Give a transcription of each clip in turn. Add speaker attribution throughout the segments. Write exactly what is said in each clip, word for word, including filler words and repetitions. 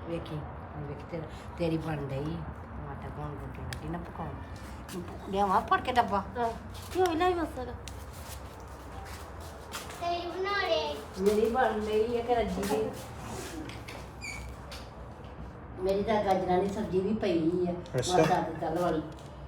Speaker 1: ਵੇਖੀ ਹੁਣ ਵੇਖ ਤੇਰਾ ਤੇਰੀ ਬਣ ਗਈ ਆਟਾ ਕੌਣ ਰੋਟੀ ਲੱਗੀ ਨਾ ਪਕਾਉਣ ਲਿਆਵਾਂ ਫੜ ਕੇ ਡੱਬਾ ਕਿਉਂ ਨਹੀਂ ਮਸਲਾ
Speaker 2: ਤੇਰੀ ਬਣਾ ਰਹੇ
Speaker 1: ਮੇਰੀ ਬਣ ਗਈ ਹੈ ਕਿ ਰੱਜੀ ਦੀ ਮੇਰੀ ਤਾਂ ਗਾਜਰਾਂ ਦੀ ਸਬਜ਼ੀ ਵੀ ਪਈ ਹੈ
Speaker 3: ਅੱਛਾ।
Speaker 1: ਮਸਾ ਦੀ ਕੱਲ ਵਾਲੀ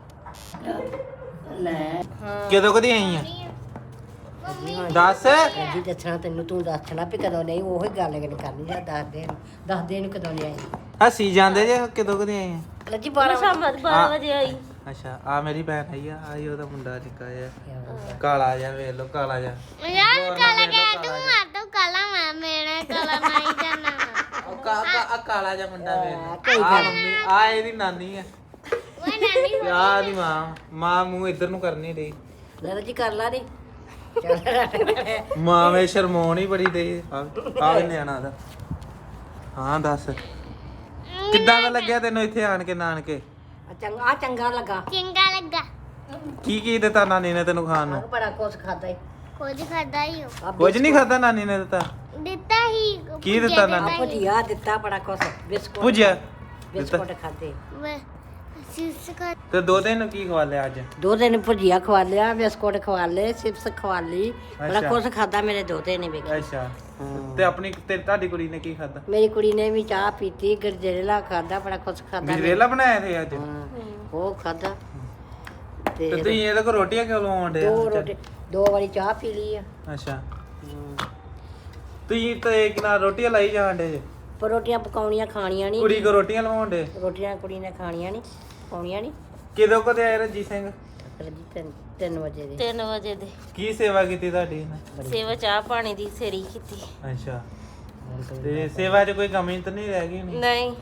Speaker 1: ਲੈ
Speaker 3: ਕਦੋਂ ਕਦੀ ਆਈ ਆ ਦੱਸ
Speaker 1: ਜੀ ਦੱਸਣਾ ਤੈਨੂੰ ਤੂੰ ਦੱਸਣਾ ਵੀ ਕਦੋਂ ਨਹੀਂ ਉਹੀ ਗੱਲ ਗੱਲ ਕਰਨੀ ਜਾਂ ਦੱਸ ਦੇ ਦੱਸ ਦੇ ਨੂੰ ਕਦੋਂ ਨਹੀਂ ਆਈ
Speaker 3: ਹੱਸੀ ਜਾਂਦੇ ਜੇ ਕਦੋਂ ਕਦੀ ਆਈ ਆ
Speaker 1: ਰੱਜੀ ਬਾਰਾਂ
Speaker 4: ਸ਼ਾਮ ਬਾਰਾਂ ਵਜੇ ਆਈ
Speaker 3: ਅੱਛਾ ਆ ਮੇਰੀ ਭੈਣ ਆਈ ਆ ਆਈ ਉਹਦਾ ਮੁੰਡਾ ਨਿੱਕਾ ਜਿਹਾ ਕਾਲਾ ਜਿਹਾ ਵੇਖ ਲੋ ਕਾਲਾ ਜਿਹਾ
Speaker 2: ਯਾਰ ਕਾਲਾ ਗਿਆ ਤੂੰ ਆ ਤੂੰ ਕਾਲਾ ਮੈਂ ਮੇਰਾ ਕਾਲਾ ਨਹੀਂ ਜਾਣਾ
Speaker 3: ਉਹ ਕਾ ਕਾ ਕਾਲਾ ਜਿਹਾ ਮੁੰਡਾ ਵੇਖ
Speaker 1: ਕੋਈ
Speaker 3: ਆ ਮੰਮੀ ਆ ਇਹਦੀ ਨਾਨੀ ਆ
Speaker 2: ਉਹ ਨਾਨੀ
Speaker 3: ਆ ਦੀ ਮਾਂ ਮਾਂ ਮੂੰਹ ਇੱਧਰ ਨੂੰ ਕਰਨੀ ਰਹੀ
Speaker 1: ਲੈ ਰੱਜੀ ਕਰ ਲਾ ਨਹੀਂ ਚੱਲ
Speaker 3: ਮਾਂ ਵੇ ਸ਼ਰਮਾਉਣ ਹੀ ਬੜੀ ਦੇ ਆ ਆ ਵੀ ਨਿਆਣਾ ਦਾ ਹਾਂ ਦੱਸ ਕਿੱਦਾਂ ਦਾ ਲੱਗਿਆ ਤੈਨੂੰ ਇੱਥੇ ਆਣ ਕੇ ਨਾਨਕੇ
Speaker 1: ਆ ਚੰਗਾ ਆ ਚੰਗਾ ਲੱਗਾ
Speaker 2: ਚੰਗਾ ਲੱਗਾ
Speaker 3: ਕੀ ਕੀ ਦਿੱਤਾ ਨਾਨੀ ਨੇ ਤੈਨੂੰ ਖਾਣ
Speaker 1: ਆਹ
Speaker 3: ਨੂੰ
Speaker 1: ਬੜਾ ਕੁਛ ਖਾਦਾ ਈ
Speaker 2: ਕੁਝ ਖਾਦਾ ਹੀ ਹੋ
Speaker 1: ਆ
Speaker 3: ਕੁਝ ਨਹੀਂ ਖਾਦਾ ਨਾਨੀ ਨੇ ਦਿੱਤਾ
Speaker 2: ਦਿੱਤਾ ਹੀ
Speaker 3: ਕੀ ਦਿੱਤਾ
Speaker 2: ਭੁਜੀਆ
Speaker 3: ਨਾਨੀ?
Speaker 1: ਆ ਭੁਜੀਆ ਦਿੱਤਾ ਬੜਾ ਕੁਛ ਬਿਸਕੁਟ
Speaker 3: ਭੁਜਿਆ
Speaker 1: ਬਿਸਕੁਟ ਖਾਦੇ
Speaker 2: ਵੇ ਸਿਸ ਖਾ
Speaker 3: ਤੇ ਦੋ ਦਿਨ ਨੂੰ ਕੀ ਖਵਾ ਲਿਆ ਅੱਜ
Speaker 1: ਦੋ ਦਿਨ ਭੁਜੀਆ ਖਵਾ ਲਿਆ ਬਿਸਕੁਟ ਖਵਾ ਲਏ ਚਿਪਸ ਖਵਾ ਲਈ ਬੜਾ
Speaker 3: ਅੱਛਾ।
Speaker 1: ਕੁਛ ਖਾਦਾ ਮੇਰੇ ਦੋਤੇ ਨੇ ਵੇਖ
Speaker 3: ਅੱਛਾ ਤੇ ਆਪਣੀ ਤੇ ਤੁਹਾਡੀ ਕੁੜੀ ਨੇ ਕੀ ਖਾਦਾ
Speaker 1: ਮੇਰੀ ਕੁੜੀ ਨੇ ਵੀ ਚਾਹ ਪੀਤੀ ਗਜਰੇਲਾ ਖਾਦਾ ਬੜਾ ਕੁਛ ਖਾਦਾ
Speaker 3: ਗਜਰੇਲਾ ਬਣਾਇਆ ਤੇ ਅੱਜ
Speaker 1: ਉਹ ਖਾਦਾ
Speaker 3: ਤੇ
Speaker 1: ਤੇ
Speaker 3: ਤੁਸੀਂ ਇਹਦੇ ਕੋ ਰੋਟੀਆਂ ਕਿਉਂ ਲਵਾਉਂਦੇ
Speaker 1: ਦੋ ਰੋਟੀ ਦੋ ਵਾਰੀ ਚਾਹ ਪੀ ਲਈ ਆ
Speaker 3: ਅੱਛਾ ਤੁਸੀਂ ਤੇ ਕਿਨਾ ਰੋਟੀਆਂ ਲਾਈ ਜਾਂਦੇ ਜੇ
Speaker 1: ਪਰ ਰੋਟੀਆਂ ਪਕਾਉਣੀਆਂ ਖਾਣੀਆਂ ਨਹੀਂ
Speaker 3: ਕੁੜੀ ਕੋ ਰੋਟੀਆਂ ਲਵਾਉਂਦੇ
Speaker 1: ਰੋਟੀਆਂ ਕੁੜੀ ਨੇ ਖਾਣੀਆਂ ਨਹੀਂ ਪਾਉਣੀਆਂ ਨਹੀਂ
Speaker 3: ਕਿਦੋਂ ਕਦੇ ਆਏ ਰਣਜੀਤ ਸਿੰਘ
Speaker 1: ਰੱਜੀ ਤਿੰਨ ਤਿੰਨ ਵਜੇ ਦੇ
Speaker 4: ਤਿੰਨ ਵਜੇ ਦੇ
Speaker 3: ਕੀ ਸੇਵਾ ਕੀਤੀ ਤੁਹਾਡੀ ਇਹਨੇ?
Speaker 4: ਸੇਵਾ ਚਾਹ ਪਾਣੀ ਦੀ ਸੇਰੀ ਕੀਤੀ
Speaker 3: ਅੱਛਾ ਤੇ ਸੇਵਾ 'ਚ ਕੋਈ ਕਮੀ ਤਾਂ ਨਹੀਂ ਰਹਿ ਗਈ ਹੋਣੀ?
Speaker 4: ਨਹੀਂ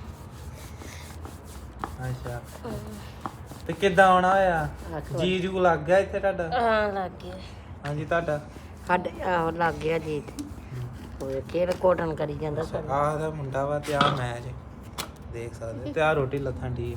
Speaker 3: ਅੱਛਾ ਤੇ ਕਿੱਦਾਂ ਆਉਣਾ ਹੋਇਆ
Speaker 1: ਅੱਠ ਵਜੇ।
Speaker 3: ਜੀ ਜੂ ਲੱਗ ਗਿਆ ਇੱਥੇ ਤੁਹਾਡਾ
Speaker 4: ਹਾਂ ਲੱਗ ਗਿਆ
Speaker 3: ਹਾਂਜੀ ਤੁਹਾਡਾ
Speaker 1: ਸਾਡੇ ਆਹੋ ਲੱਗ ਗਿਆ ਜੀ ਉਹ ਕਿਹੜਾ ਕੋਟਨ ਕਰੀ ਜਾਂਦਾ
Speaker 3: ਅੱਛਾ ਆਹ ਦਾ ਮੁੰਡਾ ਵਾ ਤੇ ਆ ਮੈਂ ਜੇ ਦੇਖ ਸਕਦੇ ਤੇ ਆ ਰੋਟੀ ਲੱਥਾਂ ਦੀ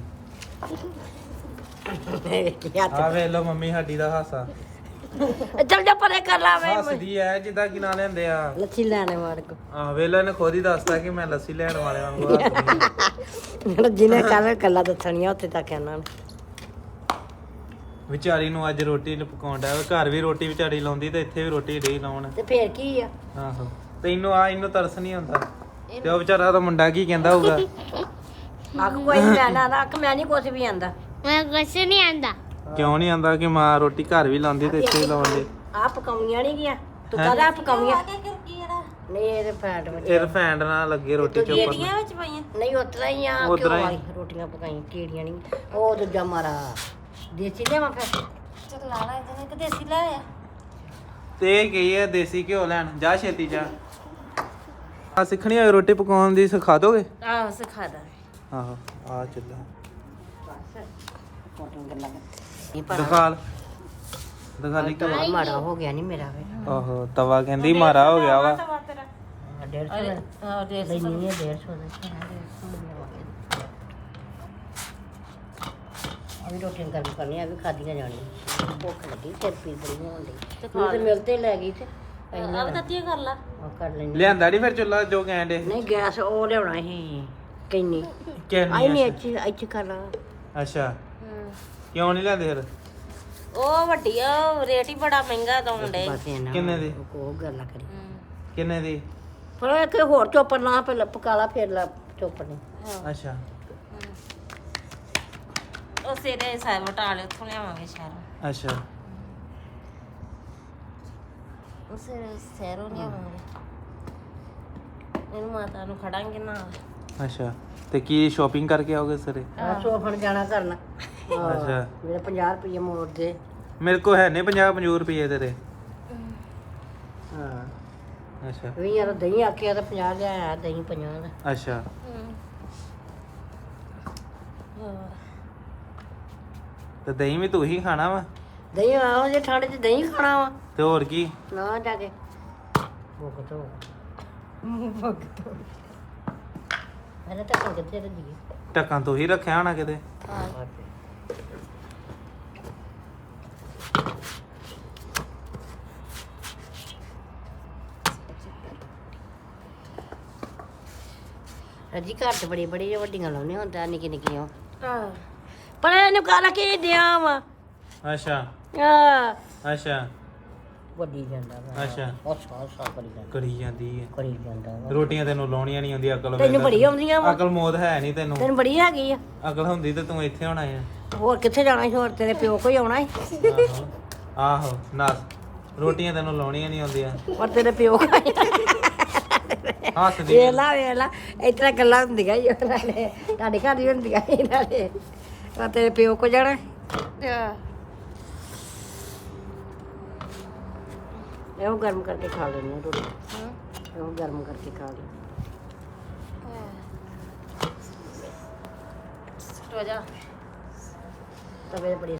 Speaker 1: ਹੱਥ
Speaker 3: ਆ ਵੇਖ ਲਓ ਮੰਮੀ ਸਾਡੀ ਦਾ ਹਾਸਾ
Speaker 1: ਚੱਲ ਜਾ ਪਰੇ ਕਰ ਲਾ ਵੇ
Speaker 3: ਹੱਸਦੀ ਐ ਜਿੱਦਾਂ ਕਿ ਨਾ ਲੈਂਦੇ ਆ
Speaker 1: ਲੱਛੀ ਲੈਣੇ ਮਾਰ ਕੋ
Speaker 3: ਆਹ ਵੇਖ ਲਓ ਇਹਨੇ ਖੁਦ ਹੀ ਦੱਸਤਾ ਕਿ ਮੈਂ ਲੱਸੀ ਲੈਣ ਵਾਲੇ ਵਾਂਗੂ ਹੱਸਦੀ
Speaker 1: ਜਿਹਨੇ ਕੱਲ ਕੱਲਾ ਦੱਸਣੀਆਂ ਉੱਥੇ ਤੱਕ ਇਹਨਾਂ ਨੂੰ
Speaker 3: ਵਿਚਾਰੀ ਨੂੰ ਅੱਜ ਰੋਟੀ ਨੂੰ ਪਕਾਉਣ ਡਿਆ ਵਾ। ਘਰ ਵੀ ਰੋਟੀ ਵਿਚਾਰੀ ਲਾਉਂਦੀ ਤੇ ਇੱਥੇ ਵੀ ਰੋਟੀ ਰਹੀ ਲਾਉਣ
Speaker 1: ਤੇ ਫੇਰ ਕੀ ਆ
Speaker 3: ਆਹੋ ਤੈਨੂੰ ਆ ਇਹਨੂੰ ਤਰਸ ਨਹੀਂ ਆਉਂਦਾ ਤੇ ਉਹ ਵਿਚਾਰਾ ਉਹਦਾ ਮੁੰਡਾ ਕੀ ਕਹਿੰਦਾ ਹੋਊਗਾ
Speaker 1: ਅੱਖ ਕੋਈ ਨਹੀਂ ਲੈਣਾ ਨਾ ਅੱਖ ਮੈਂ ਨਹੀਂ ਕੁਛ ਵੀ ਆਂਦਾ
Speaker 2: ਮੈਂ ਕੁਛ ਨਹੀਂ ਆਂਦਾ
Speaker 3: ਕਿਉਂ ਨਹੀਂ ਆਂਦਾ ਕਿ ਮਾਂ ਰੋਟੀ ਘਰ ਵੀ ਲਾਉਂਦੀ ਤੇ ਇੱਥੇ ਵੀ ਲਾਉਂਦੀ
Speaker 1: ਆ ਪਕਾਉਣੀਆਂ ਨਹੀਂ ਗਿਆ ਤੂੰ ਕਹਦਾ ਪਕਾਉਣੀਆਂ ਨਹੀਂ ਇਹਦੇ ਫੈਟ ਵਿੱਚ
Speaker 3: ਇਹ ਰਫੈਂਡ ਨਾਲ ਲੱਗੇ ਰੋਟੀ ਚੋਪਰ
Speaker 4: ਵਿੱਚ ਪਾਈਆਂ
Speaker 1: ਨਹੀਂ ਉਤਰਾ ਹੀ ਆ
Speaker 3: ਉਸ
Speaker 1: ਕਿਉਂ
Speaker 3: ਤਰ੍ਹਾਂ ਹੀ।
Speaker 1: ਵਾਲੀ ਰੋਟੀਆਂ ਪਕਾਈਆਂ ਕੀੜੀਆਂ ਨਹੀਂ ਉਹ ਦੂਜਾ ਮਾਰਾ ਦੇਸੀ ਲਿਆਵਾਂ ਫਿਰ
Speaker 4: ਚੱਲ ਲਾਣਾ ਇਹਨੇ ਕਿ ਦੇਸੀ ਲੈ ਆ
Speaker 3: ਤੇ ਇਹ ਗਈ ਹੈ ਦੇਸੀ ਘਿਓ ਲੈਣ ਜਾ ਛੇਤੀ ਜਾ ਆ ਸਿੱਖਣੀ ਹੋਏ ਰੋਟੀ ਪਕਾਉਣ ਦੀ ਸਿਖਾ ਦੋਗੇ
Speaker 4: ਆਹ ਸਿਖਾ ਦਾਂ
Speaker 3: ਆਹੋ ਆ ਚੱਲਾ
Speaker 1: ਕੋਟਨ ਗੱਲਾਂ ਇਹ
Speaker 3: ਦਿਖਾਲ ਦਿਖਾਲੀ
Speaker 1: ਪਰ ਮਾੜਾ ਹੋ ਗਿਆ ਨਹੀਂ ਮੇਰਾ ਵੇ
Speaker 3: ਆਹੋ ਤਵਾ ਕਹਿੰਦੀ ਮਾਰਾ ਹੋ ਗਿਆ ਵਾ
Speaker 1: ਡੇਢ ਸੌ ਦਾ
Speaker 4: ਹਾਂ ਦੇ
Speaker 1: ਨਹੀਂ ਨਹੀਂ ਇਹ ਡੇਢ ਸੌ ਦਾ ਅਭੀ ਰੋਟੀਆਂ ਗਰਮ ਕਰਨੀਆਂ ਵੀ ਖਾਦੀਆਂ ਜਾਣੀਆਂ ਭੁੱਖ ਲੱਗੀ ਸਿਰ ਪੀੜ ਬੜੀ ਹੋਣ ਡਈ
Speaker 4: ਤੇ
Speaker 1: ਤੂੰ ਤੇ ਮਿਲਤੇ ਲੈ ਗਈ ਤੇ
Speaker 4: ਆਹ ਤੱਤੀਆਂ ਕਰ ਲਾ
Speaker 1: ਉਹ ਕਰ ਲੈਣੀ
Speaker 3: ਲਿਆਂਦਾ ਨਹੀਂ ਫਿਰ ਚੁੱਲਾ ਜੋ ਕਹਿੰਦੇ
Speaker 1: ਨਹੀਂ ਗੈਸ ਉਹ ਲਿਆਉਣਾ ਸੀ ਕਿੰਨੀ ਆਈ
Speaker 3: ਕਿੰਨੀ
Speaker 1: ਨਹੀਂ ਇੱਥੇ ਇੱਥੇ ਕਰ ਲਾ
Speaker 3: ਅੱਛਾ ਕਿਉਂ ਨਹੀਂ ਲਿਆਂਦੇ ਫਿਰ
Speaker 4: ਉਹ ਵੱਡੀ ਆ ਉਹ ਰੇਟ ਹੀ ਬੜਾ ਮਹਿੰਗਾ ਦਉਣ ਡੇ
Speaker 1: ਬਸ ਇਹਨਾਂ
Speaker 3: ਕਿੰਨੇ ਦੀ?
Speaker 1: ਉਹ ਗੱਲਾਂ ਕਰੀ
Speaker 3: ਕਿੰਨੇ ਦੀ
Speaker 1: ਪਰ ਇੱਕ ਹੋਰ ਚੋਪਰ ਨਾ ਪਹਿਲਾਂ ਪਕਾ ਲਾ ਫਿਰ ਲਾ ਚੋਪਰ ਨੇ
Speaker 3: ਅੱਛਾ
Speaker 4: ਉਹ ਸੇਰੇ ਸਾਹਿਬ ਵਟਾਲੇ ਉੱਥੋਂ ਲਿਆਵਾਂਗੇ ਸ਼ਹਿਰੋਂ
Speaker 3: ਅੱਛਾ
Speaker 4: ਉਹ ਸੇਰੇ ਸ਼ਹਿਰੋਂ ਲਿਆਵਾਂਗੇ ਇਹਨੂੰ ਮਾਤਾ ਨੂੰ ਖੜਾਂਗੇ ਨਾ
Speaker 3: ਅੱਛਾ ਤੇ ਕੀ ਸ਼ਾਪਿੰਗ ਕਰਕੇ ਆਓਗੇ ਸਰੇ
Speaker 1: ਆ ਸੋਫਣ ਜਾਣਾ ਕਰਨਾ
Speaker 3: ਅੱਛਾ
Speaker 1: ਮੇਰੇ ਪੰਜਾਹ ਰੁਪਏ ਮੋੜ ਦੇ
Speaker 3: ਮੇਰੇ ਕੋ ਹੈ ਨਹੀਂ ਪੰਜਾਹ ਪੰਜਾਹ ਰੁਪਏ ਤੇਰੇ
Speaker 1: ਹਾਂ
Speaker 3: ਅੱਛਾ
Speaker 1: ਵੀ ਯਾਰ ਦਹੀਂ ਆਖਿਆ ਤਾਂ ਪੰਜਾਹ ਲਿਆਇਆ ਦਹੀਂ ਪੰਜਾਹ ਦਾ
Speaker 3: ਅੱਛਾ ਤੇ ਦਹੀਂ ਵੀ ਤੂੰ ਹੀ ਖਾਣਾ ਵਾ
Speaker 1: ਦਹੀਂ ਆਓ ਜੇ ਠੰਡ 'ਚ ਦਹੀਂ ਖਾਣਾ ਵਾ
Speaker 3: ਤੇ ਹੋਰ ਕੀ
Speaker 1: ਨਾ ਜਾ ਕੇ ਭੁੱਖ ਤੋਂ ਭੁੱਖ ਤੋਂ ਮੈਨੇ ਤਾਂ ਕਿੱਥੇ ਰੱਜੀ
Speaker 3: ਢੱਕਾਂ ਤੂੰ ਹੀ ਰੱਖਿਆ ਹੋਣਾ ਕਿਤੇ
Speaker 1: ਰੱਜੀ ਘਰ ਤੇ ਬੜੀ ਬੜੀ ਵੱਡੀਆਂ ਲਾਉਣੇ ਹੁੰਦਾ ਨਿੱਕੀ ਨਿੱਕੀਆਂ
Speaker 4: ਆਹ ਪਰ ਇਹਨੂੰ ਕਾਲਾ ਕੀ ਦਿਆਂ ਵਾ
Speaker 3: ਅੱਛਾ
Speaker 4: ਆ
Speaker 3: ਅੱਛਾ
Speaker 1: ਵੱਡੀ ਜਾਂਦਾ ਵਾ
Speaker 3: ਅੱਛਾ
Speaker 1: ਉਹ ਸਾ ਸਾ ਕਰੀ ਜਾਂਦਾ
Speaker 3: ਕਰੀ ਜਾਂਦੀ ਹੈ
Speaker 1: ਕਰੀ ਜਾਂਦਾ ਵਾ
Speaker 3: ਰੋਟੀਆਂ ਤੈਨੂੰ ਲਾਉਣੀਆਂ ਨਹੀਂ ਆਉਂਦੀ ਅਕਲ
Speaker 1: ਤੈਨੂੰ ਬੜੀ ਆਉਂਦੀਆਂ ਵਾ
Speaker 3: ਅਕਲ ਮੌਤ ਹੈ ਨਹੀਂ ਤੈਨੂੰ
Speaker 1: ਤੈਨੂੰ ਬੜੀ ਹੈਗੀ ਆ
Speaker 3: ਅਕਲ ਹੁੰਦੀ ਤੇ ਤੂੰ ਇੱਥੇ ਹੋਣਾ ਹੈ
Speaker 1: ਹੋਰ ਕਿੱਥੇ ਜਾਣਾ ਸੀ ਹੋਰ ਤੇਰੇ ਪਿਓ ਕੋਈ ਆਉਣਾ ਸੀ
Speaker 3: ਆਹੋ ਆਹੋ ਨਾਸ ਰੋਟੀਆਂ ਤੈਨੂੰ ਲਾਉਣੀਆਂ ਨਹੀਂ ਆਉਂਦੀਆਂ
Speaker 1: ਪਰ ਤੇਰੇ ਪਿਓ ਕੋਈ
Speaker 3: ਹੱਸਦੀ
Speaker 1: ਵੇਲਾ ਵੇਲਾ ਇਸ ਤਰ੍ਹਾਂ ਗੱਲਾਂ ਹੁੰਦੀਆਂ ਹੀ ਉਹਨਾਂ ਨੇ ਤੁਹਾਡੇ ਘਰ ਹੀ ਹੁੰਦੀਆਂ ਸੀ ਇਹਨਾਂ ਨੇ ਪਰ ਤੇਰੇ ਪਿਓ ਕੋ ਜਾਣਾ ਇਹੋ ਗਰਮ ਕਰਕੇ ਖਾ ਲੈਣੀ ਰੋਟੀ ਇਹੋ ਗਰਮ ਕਰਕੇ ਖਾ ਲਈ
Speaker 4: ਰੋਜਾ
Speaker 1: ਤਵੇ ਬੜੀ